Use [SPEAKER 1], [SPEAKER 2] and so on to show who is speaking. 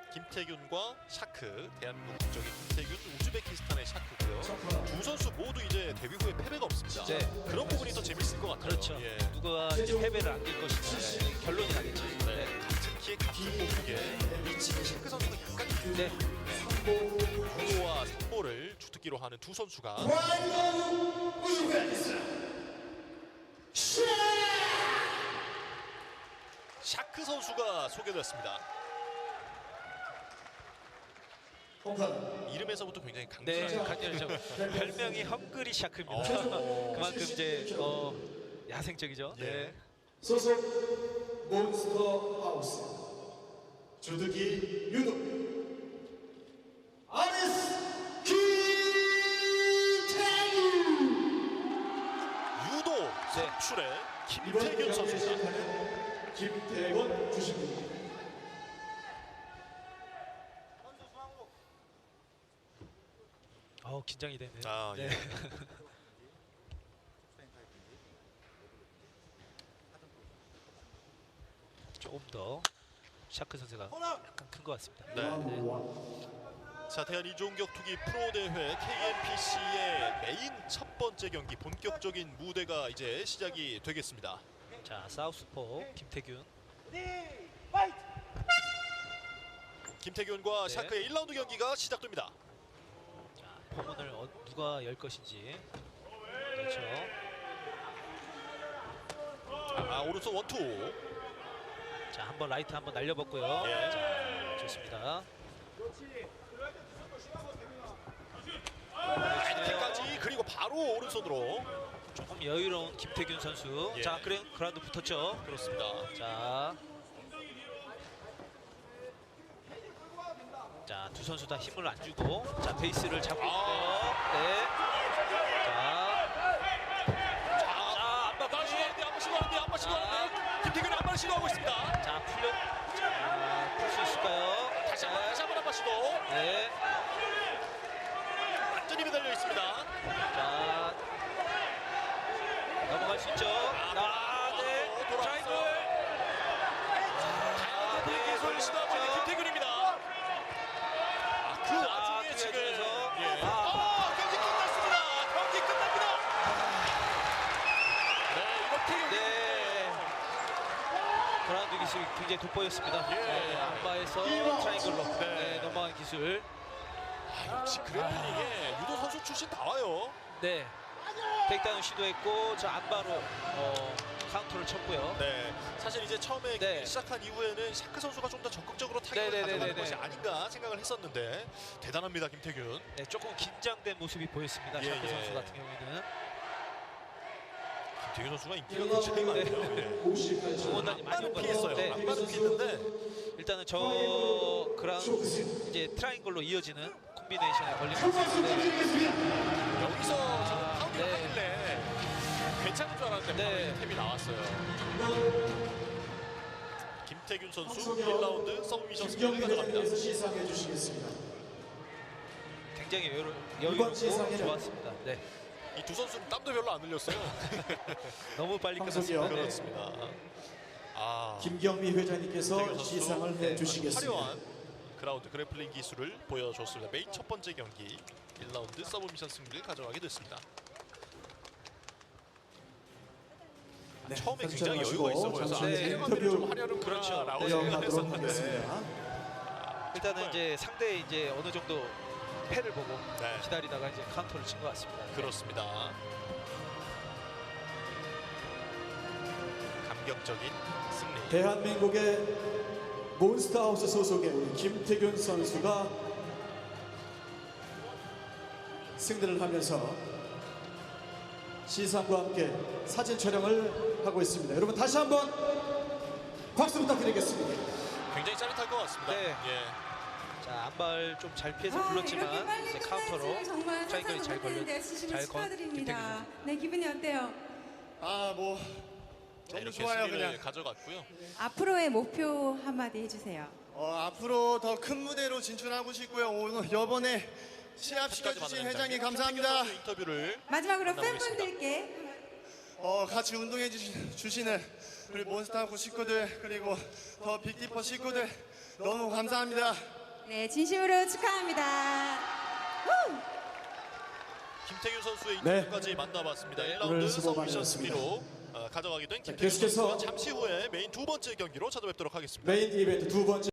[SPEAKER 1] 김태균과 샤크, 대한민국 국적인 김태균, 우즈베키스탄의 샤크고요. 두 선수 모두 이제 데뷔 후에 패배가 없습니다.
[SPEAKER 2] 네.
[SPEAKER 1] 그런 부분이 더 재밌을 것 같아요.
[SPEAKER 2] 그렇죠.
[SPEAKER 1] 예.
[SPEAKER 2] 누가 이제 패배를 안길 것인지 결론이 나겠죠.
[SPEAKER 1] 네. 같은 키에 같은 몸무게 위치는 샤크 선수가 약간
[SPEAKER 2] 네.
[SPEAKER 1] 유도와 삼보를 주특기로 하는 두 선수가 샤크 선수가 소개됐습니다. 이름에서부터 굉장히
[SPEAKER 2] 네,
[SPEAKER 1] 강렬하죠.
[SPEAKER 2] 강렬하죠. 별명이 헝그리 샤크입니다. 그만큼 이제 야생적이죠.
[SPEAKER 1] 예.
[SPEAKER 2] 네.
[SPEAKER 3] 소속 몬스터 하우스 주득이 유도 아레스 김태균
[SPEAKER 1] 유도 선출의
[SPEAKER 3] 이번
[SPEAKER 1] 김태균
[SPEAKER 3] 경기에
[SPEAKER 1] 선수입니다.
[SPEAKER 3] 시작하는 김태원 주심입니다.
[SPEAKER 2] 긴장이 되네요.
[SPEAKER 1] 아, 예.
[SPEAKER 2] 네. 조금 더 샤크 선수가 약간 큰 것 같습니다.
[SPEAKER 1] 네. 자, 대한 이종격 투기 프로 대회 KNPC의 메인 첫 번째 경기 본격적인 무대가 이제 시작이 되겠습니다.
[SPEAKER 2] 자, 사우스포 김태균.
[SPEAKER 1] 김태균과
[SPEAKER 2] 네.
[SPEAKER 1] 샤크의 1라운드 경기가 시작됩니다.
[SPEAKER 2] 자, 포문을 누가 열 것인지. 그렇죠.
[SPEAKER 1] 오른손 원투.
[SPEAKER 2] 자, 한번 라이트 한번 날려봤고요.
[SPEAKER 1] 예.
[SPEAKER 2] 자, 좋습니다.
[SPEAKER 1] 라이트까지 그리고 바로 오른손으로.
[SPEAKER 2] 조금 여유로운 김태균 선수.
[SPEAKER 1] 예.
[SPEAKER 2] 자, 그라운드 붙었죠.
[SPEAKER 1] 그렇습니다.
[SPEAKER 2] 자, 두 선수 다 힘을 안 주고, 자, 베이스를 잡고 있고요. 네.
[SPEAKER 1] 안마 시도하는데 김태균이 안마를 시도하고 있습니다.
[SPEAKER 2] 자, 풀 수 있을까요?
[SPEAKER 1] 다시 한번 안마 시도.
[SPEAKER 2] 네.
[SPEAKER 1] 완전히 매달려 있습니다.
[SPEAKER 2] 자, 넘어갈 수 있죠. 네. 트라이앵글.
[SPEAKER 1] 다양한 기술을 시도하고 있는 김태균입니다. 그 와중에 지금 경기 끝났습니다. 경기 끝납니다. 네, 이렇게
[SPEAKER 2] 네. 그라운드 기술이 굉장히 돋보였습니다.
[SPEAKER 1] 예.
[SPEAKER 2] 네, 안바에서 트라이앵글로
[SPEAKER 1] 네.
[SPEAKER 2] 넘어간 기술.
[SPEAKER 1] 역시 그래플링에 유도 선수 출신 나와요.
[SPEAKER 2] 네. 테이크다운 시도했고, 저 안바로 카운터를 쳤고요.
[SPEAKER 1] 네, 사실 이제 처음에
[SPEAKER 2] 네.
[SPEAKER 1] 시작한 이후에는 샤크 선수가 좀 더 적극적으로 타격을
[SPEAKER 2] 네네네네네.
[SPEAKER 1] 가져가는 것이 아닌가 생각을 했었는데 대단합니다, 김태균.
[SPEAKER 2] 네, 조금 긴장된 모습이 보였습니다.
[SPEAKER 1] 예,
[SPEAKER 2] 샤크
[SPEAKER 1] 예.
[SPEAKER 2] 선수 같은 경우에는.
[SPEAKER 1] 김태균 선수가 인기가 굉장히 많아요.
[SPEAKER 2] 응원단이 많이
[SPEAKER 1] 안마는
[SPEAKER 2] 온
[SPEAKER 1] 피했어요.
[SPEAKER 2] 네.
[SPEAKER 1] 안마는 피했는데
[SPEAKER 2] 일단은 저 그라운드 이제 트라이앵글로 이어지는 콤비네이션에 걸리는 선수인데,
[SPEAKER 1] 여기서 저는 파운딩을
[SPEAKER 2] 네.
[SPEAKER 1] 하길래 괜찮은 줄 알았는데
[SPEAKER 2] 네.
[SPEAKER 1] 바로 탭이 나왔어요. 김태균 선수 1라운드 서브미션 승리를
[SPEAKER 3] 김경민에
[SPEAKER 1] 가져갑니다.
[SPEAKER 3] 대해서 시상해 주시겠습니다.
[SPEAKER 2] 굉장히
[SPEAKER 3] 이번
[SPEAKER 2] 여유롭고
[SPEAKER 3] 시상에는
[SPEAKER 2] 좋았습니다. 네.
[SPEAKER 1] 이 두 선수는 땀도 별로 안 흘렸어요.
[SPEAKER 2] 너무 빨리
[SPEAKER 3] 황석이요.
[SPEAKER 2] 끝났습니다. 네.
[SPEAKER 1] 그렇습니다.
[SPEAKER 3] 김경미 회장님께서
[SPEAKER 1] 김태균 선수
[SPEAKER 3] 시상을 해주시겠습니다.
[SPEAKER 1] 화려한 그라운드 그래플링 기술을 보여줬습니다. 메인 첫 번째 경기 1라운드 서브미션 승리를 가져가게 됐습니다.
[SPEAKER 3] 네,
[SPEAKER 1] 처음에
[SPEAKER 3] 선수
[SPEAKER 1] 굉장히
[SPEAKER 3] 마시고
[SPEAKER 1] 여유가 있어 보여서
[SPEAKER 3] 잠시
[SPEAKER 1] 태양만들이 좀
[SPEAKER 3] 인터뷰
[SPEAKER 1] 하려는
[SPEAKER 2] 그렇죠.
[SPEAKER 1] 라고
[SPEAKER 3] 내용하도록
[SPEAKER 1] 생각했었는데
[SPEAKER 3] 하겠습니다.
[SPEAKER 2] 일단은 이제 상대 이제 어느 정도 패를 보고
[SPEAKER 1] 네.
[SPEAKER 2] 기다리다가 이제 카운터를 친 것 같습니다.
[SPEAKER 1] 그렇습니다. 감격적인 승리.
[SPEAKER 3] 대한민국의 몬스터하우스 소속의 우리 김태균 선수가 승리를 하면서 시상과 함께 사진 촬영을 하고 있습니다. 여러분 다시 한번 박수 부탁드리겠습니다.
[SPEAKER 1] 굉장히 짜릿할 것 같습니다.
[SPEAKER 2] 네.
[SPEAKER 1] 예.
[SPEAKER 2] 자, 안발 좀 잘 피해서 불렀지만 이제 카운터로 트라이앵글이 잘 걸려 잘
[SPEAKER 4] 축하드립니다. 네, 기분이 어때요?
[SPEAKER 1] 자,
[SPEAKER 5] 너무
[SPEAKER 1] 이렇게
[SPEAKER 5] 좋아요,
[SPEAKER 1] 승리를
[SPEAKER 5] 그냥.
[SPEAKER 1] 가져갔고요.
[SPEAKER 4] 앞으로의 목표 한마디 해주세요.
[SPEAKER 5] 앞으로 더 큰 무대로 진출하고 싶고요. 오늘 이번에 시합시켜주신 회장님 감사합니다.
[SPEAKER 1] 인터뷰를
[SPEAKER 4] 마지막으로
[SPEAKER 1] 만나보겠습니다.
[SPEAKER 4] 팬분들께
[SPEAKER 5] 같이 운동해 주시는 우리 몬스타하고 식구들 그리고 더 빅디퍼 식구들 너무 감사합니다.
[SPEAKER 4] 네, 진심으로 축하합니다. 후!
[SPEAKER 1] 김태균 선수의
[SPEAKER 3] 네.
[SPEAKER 1] 인터뷰까지 만나봤습니다.
[SPEAKER 3] 오늘
[SPEAKER 1] 1라운드
[SPEAKER 3] 수고
[SPEAKER 1] 서브미션
[SPEAKER 3] 많으셨습니다.
[SPEAKER 1] 승리로 가져가게 된 김태균
[SPEAKER 3] 계속해서
[SPEAKER 1] 선수와 잠시 후에 메인 두 번째 경기로 찾아뵙도록 하겠습니다.
[SPEAKER 3] 메인 이벤트 두 번째